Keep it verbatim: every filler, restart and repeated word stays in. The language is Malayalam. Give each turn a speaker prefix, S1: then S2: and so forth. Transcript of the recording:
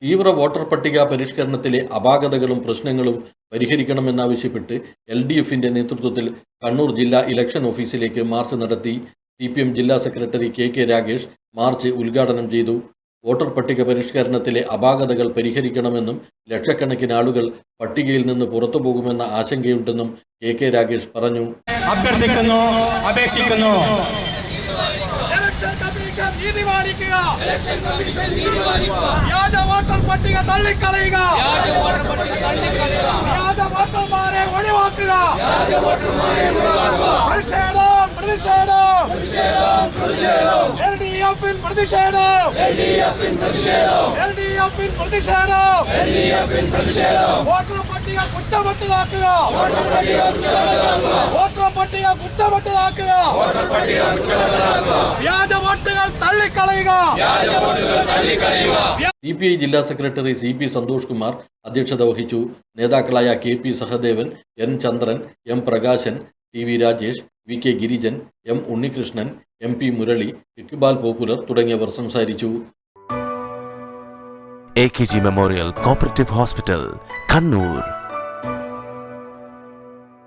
S1: തീവ്ര വോട്ടർ പട്ടിക പരിഷ്കരണത്തിലെ അപാകതകളും പ്രശ്നങ്ങളും പരിഹരിക്കണമെന്നാവശ്യപ്പെട്ട് എൽ ഡി എഫിന്റെ നേതൃത്വത്തിൽ കണ്ണൂർ ജില്ലാ ഇലക്ഷൻ ഓഫീസിലേക്ക് മാർച്ച് നടത്തി. സി പി എം ജില്ലാ secretary K K Ragesh march ഉദ്ഘാടനം ചെയ്തു. വോട്ടർ പട്ടിക പരിഷ്കരണത്തിലെ അപാകതകൾ പരിഹരിക്കണമെന്നും ലക്ഷക്കണക്കിന് ആളുകൾ പട്ടികയിൽ നിന്ന് പുറത്തുപോകുമെന്ന ആശങ്കയുണ്ടെന്നും കെ കെ രാഗേഷ് പറഞ്ഞു.
S2: അഭ്യർത്ഥിക്കുന്നു, അപേക്ഷിക്കുന്നു.
S3: വ്യാജ വോട്ടർ പട്ടിക തള്ളിക്കളയുക, വ്യാജ വോട്ടർമാരെ ഒഴിവാക്കുക. പ്രതിഷേധം, പ്രതിഷേധം, എൽ ഡി എഫിൻ പ്രതിഷേധം, എൽ ഡി എഫിൻ പ്രതിഷേധം. വോട്ടർ പട്ടിക കുറ്റമറ്റതാക്കുക, വോട്ടർ പട്ടിക കുറ്റമറ്റതാക്കുക. വ്യാജ വോട്ടുകൾ തള്ളിക്കളയുക.
S1: സി പി ഐ ജില്ലാ secretary C P Santhosh Kumar അധ്യക്ഷത വഹിച്ചു. നേതാക്കളായ K P Sahadevan, N Chandran, M Prakashan, T V Rajesh, V K Girijan, M Unnikrishnan, M P Murali, Iqbal popular തുടങ്ങിയവർ സംസാരിച്ചു.
S4: A K G memorial cooperative hospital, Kannur.